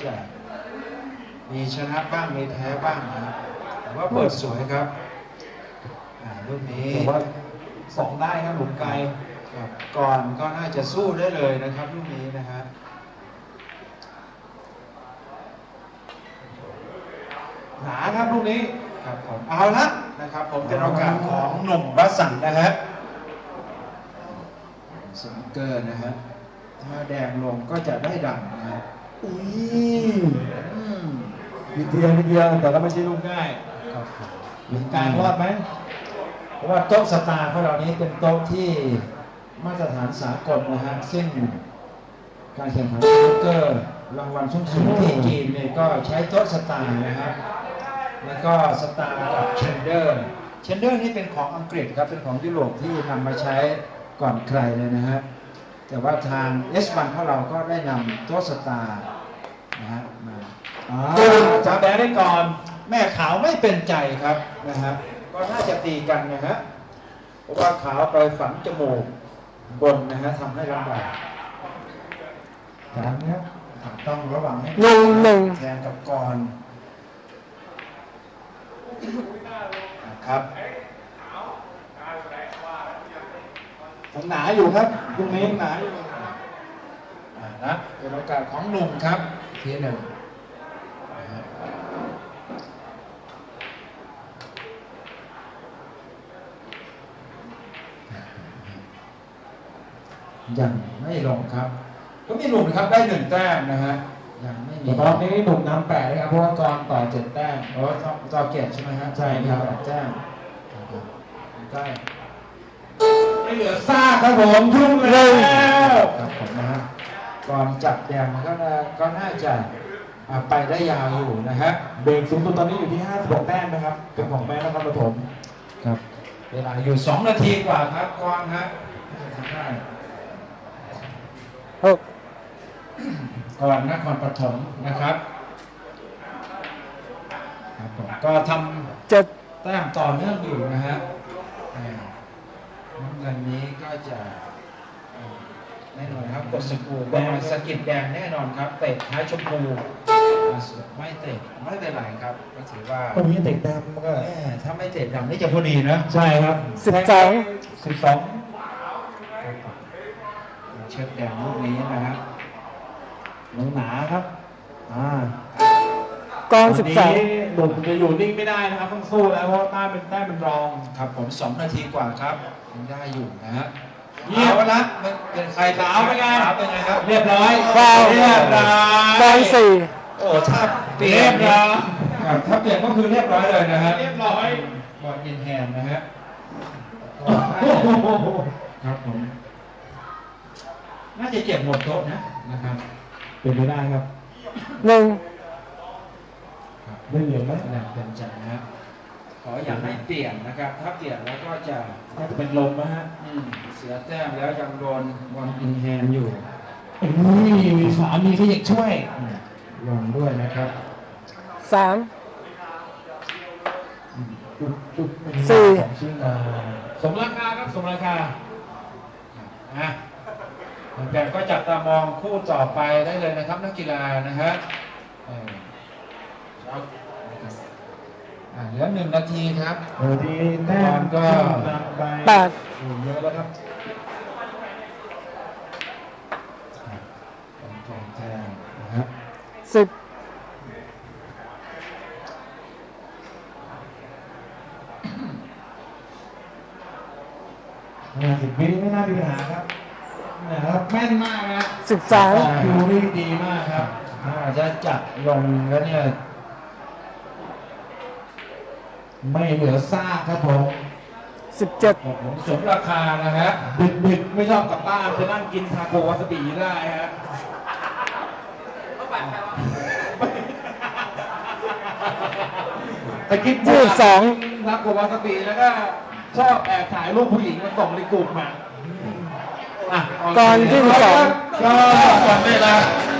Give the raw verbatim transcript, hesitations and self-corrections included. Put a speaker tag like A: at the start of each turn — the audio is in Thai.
A: จะมีชนะบ้างมีแพ้บ้างนะครับแต่ว่าเปิดสวยครับอ่าลูกนี้
B: แต่ว่าสองได้ครับหลุมไกล
A: ครับก่อนก็น่าจะสู้ได้เลยนะครับลูกนี้นะฮะ
B: หนาครับลูกนี้
A: ครับผมเอาละนะครับผมเป็นโอกาสของหนุ่มวัสันต์นะฮะสนิเกอร์นะฮะถ้าแดงลงก็จะได้ดังนะฮะ
B: อุ้ย
A: อืม
B: นิดเดียวนิดเดียวแต่ก็ไม่ใช่ลูกง่าย
A: ครับผม
B: หลุมกลางรอดไหม
A: เพราะว่าโต๊ะสตาร์ของเรานี้เป็นโต๊ะที่มาตรฐานสากลนะฮะซึ่งการแข่งขันสนิเกอร์รางวัลสูงสุดที่จีนเนี่ยก็ใช้โต๊ะสตาร์นะครับแล้วก็สตาร์กับเชนเดอร์เชนเดอร์นี่เป็นของอังกฤษครับเป็นของยุโรปที่นำมาใช้ก่อนใครเลยนะฮะแต่ว่าทาง เอส วัน ของเราก็ได้นำโต๊ะสตาร์นะฮะมา
B: อ่าจับแดงได้ก่อน
A: แม่ขาวไม่เป็นใจครับนะฮะก็น่าจะตีกันนะฮะเพราะว่าขาวไปฝังจมูกบนนะฮะทำให้ลำบาก
B: กันครับ
A: ต้องระวังให้
C: หนึ่งหนึ่ง
A: แทนกับกรครับ
B: ยังหนาอยู่ครับลูกนี้ยังหนาอยู่
A: อ่านะเป็นโอกาสของหนุ่มครับทีหนึ่งนะฮะยังไม่ลงครับ ก็มีหนุ่มนะครับได้หนึ่งแต้มนะฮะยังไม่มี
B: แต่ตอนนี้หนุ่มนำแปดเลยครับเพราะว่ากรต่อเจ็ดแต้ม
A: โอ้ต่อต่อเกียรติใช่ไหมฮะ
B: ใช่ครับ
A: แปดแต้มใกล้
B: ไม่เหลือซากครับผมยุ่งแล้ว
A: ครับผมนะฮะก่อนจับแดงก็น่าก็น่าจะอ่าไปได้ยาวอยู่นะฮะ
B: เบรกสูงสุดตอนนี้อยู่ที่ห้าสิบหกแต้มนะครับเป็นของแม่นครปฐม
A: ครับเวลาอยู่สองนาทีกว่าครับกวางฮะทำได้
C: หก
A: ก่อนนครปฐมนะครับครับผมก็ท
C: เจ็ด
A: ำแต้มต่อเนื่องอยู่นะฮะอ่าน้ำเงินนี้ก็จะอ่าแน่นอนครับกดสกรูแดงสกิดแดงแน่นอนครับเตะท้ายชมพูไม่เตะไม่เป็นไรครับก็ถือว่า
B: ก็มีเตะแต้มมันก็
A: แม่ถ้าไม่เตะดำนี่จะพอดีนะ
B: ใช่ครับ
C: สิบสอง
B: สิบสอง
A: เช็ดแดงลูกนี้นะครับ
B: หนังหนาครับอ่าก
C: รสิบสอง
B: วันนี้หนุ่มจะอยู่นิ่งไม่ได้นะครับต้องสู้แล้วเพราะแต้มเป็นแต้มเป็นรอง
A: ครับผมสองนาทีกว่าครับยังได้อยู่นะฮะ
B: เยี่ยม
A: เอาละมันเป็นใคร
B: ขาวเป็นไง
A: ขาวเป็นไงครับ
B: เรียบร้อย
C: ฟาวล์
B: เรียบร้อย
C: กรสี่
A: โอ้ถ้าเปลี่ย
B: เรีย
A: น
B: บร้อย
A: ครับถ้าเปลี่ยนก็คือเรียบร้อยเลยนะฮะ
B: เรียบร้อย
A: บอลอินแฮนด์นะฮะ
B: โอ้โห
A: ครับผมน่าจะเจ็บหมดโต๊ะนะนะครับ
B: เป็นไปได้ครับ
C: หนึ่ง
A: ครับ
B: ได้เหรียญไหม
A: แรงเป็นใจนะฮะขออย่าให้เปลี่ยนนะครับ ถ้าเปลี่ยนแล้วก็จะ
B: น่าจะเป็นลมนะฮะ
A: อืมเสียแต้มแล้วยังโดนบอลอินแฮนด์อยู่
B: อุ้ยมีฝามีขยิกช่วย
A: อืมลงด้วยนะครับ
C: สาม
B: จุดจุดหนึ่ง
C: สี่
B: ของชิงมาสมราคาครับสมราคา
A: อ่ะแฟนๆก็จับตามองคู่ต่อไปได้เลยนะครับ นักกีฬานะฮะเออครับอ่ะเหลือหนึ่งนาทีครับ
B: เออดีแต้ม
A: ก็
B: นำไป
C: แปด
B: เยอะแล้วครับ
A: เป็นทองแทงนะครับ
C: สิบ
B: ห้าสิบวิไม่น่ามีปัญหาครับนะครับแม่นมากนะ
C: สิบสาม
B: คิวนี่ดีมากครับ
A: ถ้าจะจับลงแล้วเนี่ย
B: ไม่เหลือซากครับผม
C: สิบเจ็ด
A: ผมสมราคานะฮะ
B: ดึกดึกๆไม่ชอบกลับบ้านจะนั่งกินทาโกวาซาบิได้ฮะแต่กิน
C: ยี่สิบสอง
B: ทาโกวาซาบิแล้วก็ชอบแอบถ่ายรูปผู้หญิงมาส่งในกลุ่มมาอ่ะ
C: กรยี่สิบสอง
A: ก็หมดเวลา